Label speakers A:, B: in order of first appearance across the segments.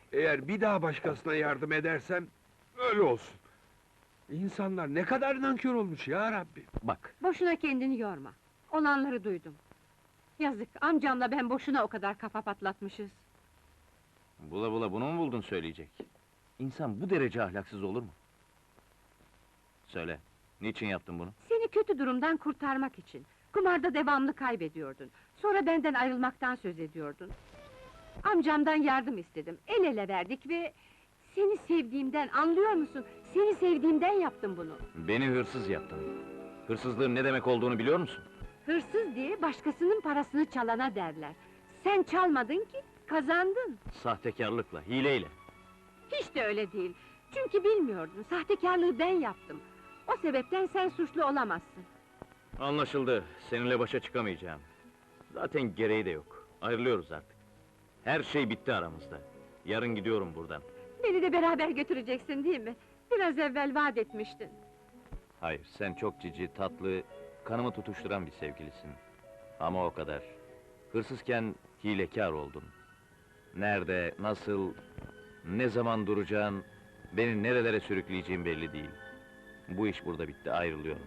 A: Eğer bir daha başkasına yardım edersem, öyle olsun. İnsanlar ne kadar nankör olmuş ya Rabbi!
B: Bak,
C: Boşuna kendini yorma. Olanları duydum. Yazık, amcamla ben boşuna o kadar kafa patlatmışız.
B: bula bula bunu mu buldun söyleyecek? İnsan bu derece ahlaksız olur mu? Söyle, niçin yaptın bunu?
C: Seni kötü durumdan kurtarmak için. Kumarda devamlı kaybediyordun. Sonra benden ayrılmaktan söz ediyordun. Amcamdan yardım istedim. El ele verdik ve... Seni sevdiğimden, anlıyor musun? Seni sevdiğimden yaptım bunu.
B: Beni hırsız yaptın. Hırsızlığın ne demek olduğunu biliyor musun?
C: Hırsız diye başkasının parasını çalana derler. Sen çalmadın ki, kazandın.
B: Sahtekarlıkla, hileyle.
C: Hiç de öyle değil. Çünkü bilmiyordun, sahtekarlığı ben yaptım. O sebepten sen suçlu olamazsın.
B: Anlaşıldı, seninle başa çıkamayacağım. Zaten gereği de yok. Ayrılıyoruz artık. Her şey bitti aramızda. Yarın gidiyorum buradan.
C: Beni de beraber götüreceksin değil mi? Biraz evvel vaat etmiştin.
B: Hayır, sen çok cici, tatlı, kanımı tutuşturan bir sevgilisin. Ama o kadar. Hırsızken hilekâr oldun. Nerede, nasıl, ne zaman duracağın, beni nerelere sürükleyeceğin belli değil. Bu iş burada bitti, ayrılıyorum.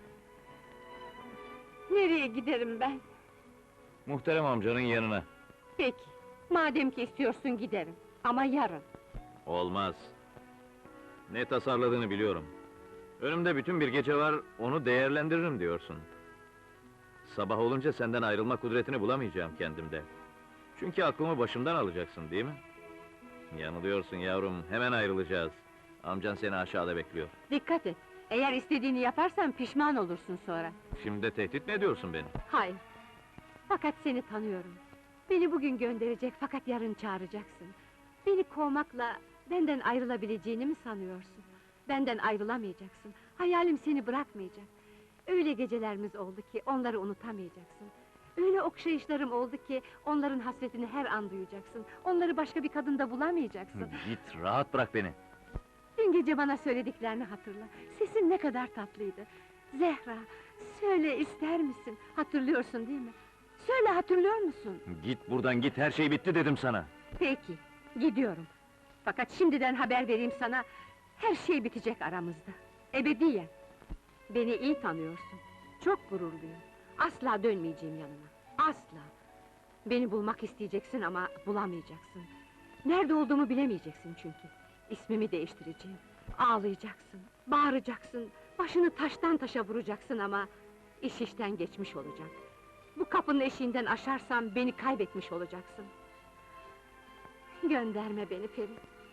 C: Nereye giderim ben?
B: Muhterem amcanın yanına.
C: Peki, madem ki istiyorsun giderim. Ama yarın.
B: Olmaz. Ne tasarladığını biliyorum. Önümde bütün bir gece var, onu değerlendiririm diyorsun. Sabah olunca senden ayrılma kudretini bulamayacağım kendimde. Çünkü aklımı başımdan alacaksın, değil mi? Yanılıyorsun yavrum, hemen ayrılacağız. Amcan seni aşağıda bekliyor.
C: Dikkat et, eğer istediğini yaparsan pişman olursun sonra.
B: Şimdi de tehdit mi ediyorsun beni?
C: Hayır. Fakat seni tanıyorum. Beni bugün gönderecek fakat yarın çağıracaksın. Beni kovmakla benden ayrılabileceğini mi sanıyorsun? Benden ayrılamayacaksın. Hayalim seni bırakmayacak. Öyle gecelerimiz oldu ki onları unutamayacaksın. Öyle okşayışlarım oldu ki onların hasretini her an duyacaksın. Onları başka bir kadında bulamayacaksın.
B: Git, rahat bırak beni.
C: Dün gece bana söylediklerini hatırla. Sesin ne kadar tatlıydı. Zehra, söyle ister misin? Hatırlıyorsun değil mi? Söyle, hatırlıyor musun?
B: Git buradan git, her şey bitti dedim sana.
C: Peki, gidiyorum. Fakat şimdiden haber vereyim sana, her şey bitecek aramızda. Ebediyen. Beni iyi tanıyorsun. Çok gururluyum. Asla dönmeyeceğim yanına. Asla. Beni bulmak isteyeceksin ama bulamayacaksın. Nerede olduğumu bilemeyeceksin çünkü. İsmimi değiştireceğim. Ağlayacaksın, bağıracaksın, başını taştan taşa vuracaksın ama... ...iş işten geçmiş olacak. Bu kapının eşiğinden aşarsam beni kaybetmiş olacaksın. Gönderme beni Ferit.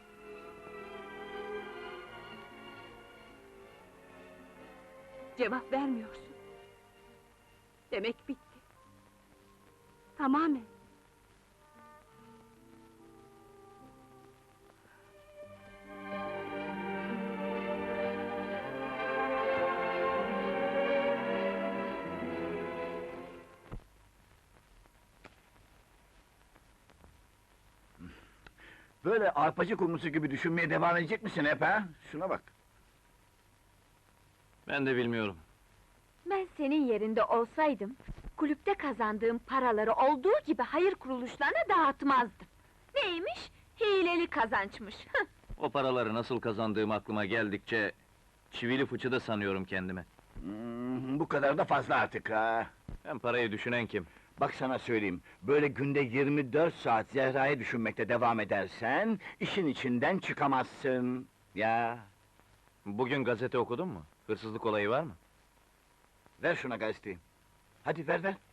C: Cevap vermiyorsun. Demek bitti. Tamamen.
D: Böyle arpacık kumrusu gibi düşünmeye devam edecek misin hep ha? Şuna bak.
B: Ben de bilmiyorum.
E: Ben senin yerinde olsaydım, kulüpte kazandığım paraları olduğu gibi hayır kuruluşlarına dağıtmazdım. Neymiş? Hileli kazançmış. Hıh!
B: O paraları nasıl kazandığım aklıma geldikçe... ...çivili fıçıda sanıyorum kendime.
D: Bu kadar da fazla artık ha.
B: Hem parayı düşünen kim?
D: Bak sana söyleyeyim, böyle günde 24 saat Zehra'yı düşünmekte devam edersen... ...işin içinden çıkamazsın. Ya,
B: Bugün gazete okudun mu? Hırsızlık olayı var mı?
D: ver şuna gazeteyi. Hadi ver ver.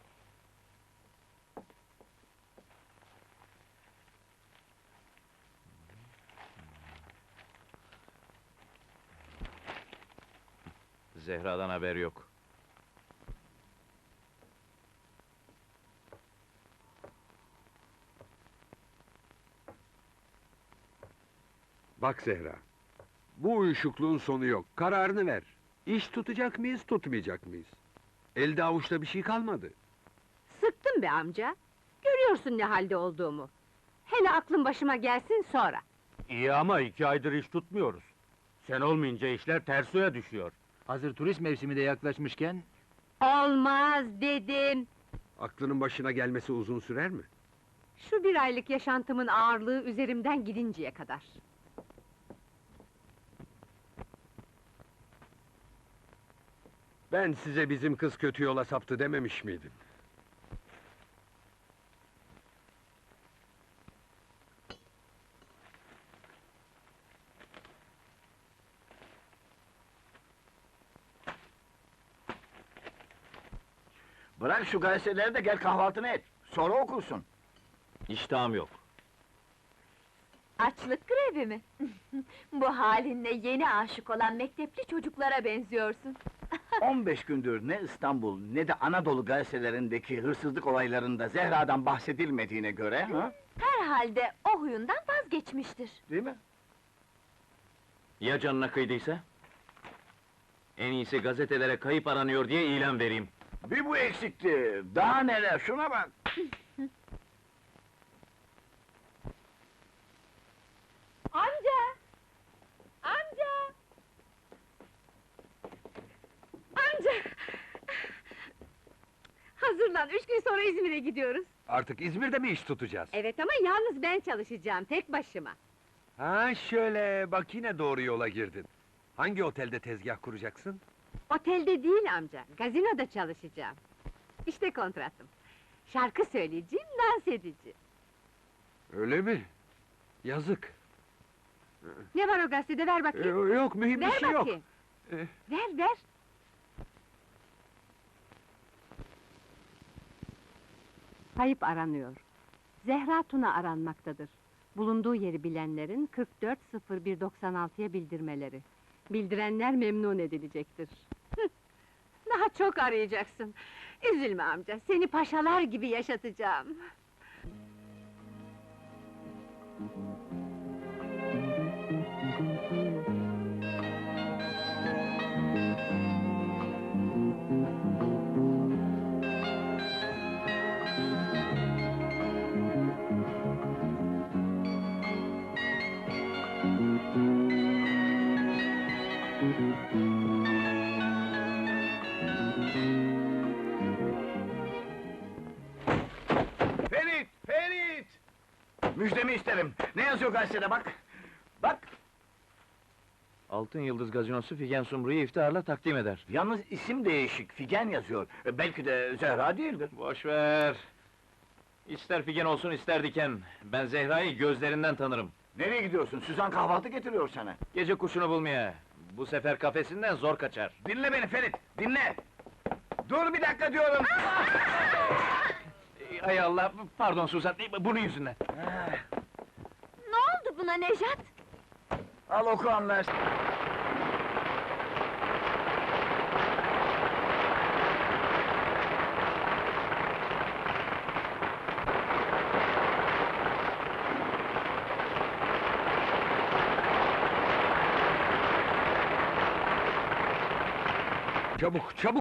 B: Zehra'dan haber yok.
A: Bak Zehra, bu uyuşukluğun sonu yok, kararını ver. İş tutacak mıyız, tutmayacak mıyız? Elde avuçta bir şey kalmadı.
C: Sıktın be amca! Görüyorsun ne halde olduğumu. Hele aklın başıma gelsin sonra.
F: İyi ama 2 aydır iş tutmuyoruz. Sen olmayınca işler ters suya düşüyor.
G: Hazır turist mevsimi de yaklaşmışken...
C: Olmaz dedim!
A: Aklının başına gelmesi uzun sürer mi?
C: Şu bir aylık yaşantımın ağırlığı üzerimden gidinceye kadar.
A: Ben size bizim kız kötü yola saptı dememiş miydim?
D: Bırak şu gazeteleri de gel kahvaltını et. Sonra okursun.
B: İştahım yok.
E: Açlık grevi mi? Bu halinle yeni aşık olan mektepli çocuklara benziyorsun.
D: 15 gündür ne İstanbul ne de Anadolu gazetelerindeki hırsızlık olaylarında Zehra'dan bahsedilmediğine göre, ha?
E: Herhalde o huyundan vazgeçmiştir.
D: Değil mi?
B: Ya canına kıydıysa? En iyisi gazetelere kayıp aranıyor diye ilan vereyim.
D: Bir bu eksikti. Daha neler, şuna bak!
C: Amca! Amca! Amca! Hazırlan, 3 gün sonra İzmir'e gidiyoruz.
A: Artık İzmir'de mi iş tutacağız?
C: Evet ama yalnız ben çalışacağım, tek başıma.
A: Ha şöyle, bak yine doğru yola girdin. Hangi otelde tezgah kuracaksın?
C: Otelde değil amca, gazinoda çalışacağım. İşte kontratım. Şarkı söyleyeceğim, dans edeceğim.
A: Öyle mi? Yazık.
C: Ne var o gazetede, ver bakayım.
A: Yok, mühim bir
C: Ver
A: şey yok.
C: bakayım.
A: Eh.
C: Ver. Kayıp aranıyor. Zehra Tuna aranmaktadır. Bulunduğu yeri bilenlerin 440196'ya bildirmeleri. Bildirenler memnun edilecektir. Daha çok arayacaksın. Üzülme amca, seni paşalar gibi yaşatacağım.
D: Ferit! Müjdemi isterim. Ne yazıyor gazetede bak? Bak!
B: Altın Yıldız Gazinosu Figen Sumru'yu iftiharla takdim eder.
D: Yalnız isim değişik, Figen yazıyor. Belki de Zehra değildir.
B: Boş ver. İster Figen olsun ister Diken. Ben Zehra'yı gözlerinden tanırım.
D: Nereye gidiyorsun? Süzan kahvaltı getiriyor sana.
B: Gece kuşunu bulmaya. Bu sefer kafesinden zor kaçar.
D: Dinle beni Ferit, dinle! Dur bir dakika diyorum!
B: Ay Allah, pardon Suzan, bunun yüzünden.
E: Ne oldu buna Nejat?
D: Al oku anlar.
A: Çabuk, çabuk!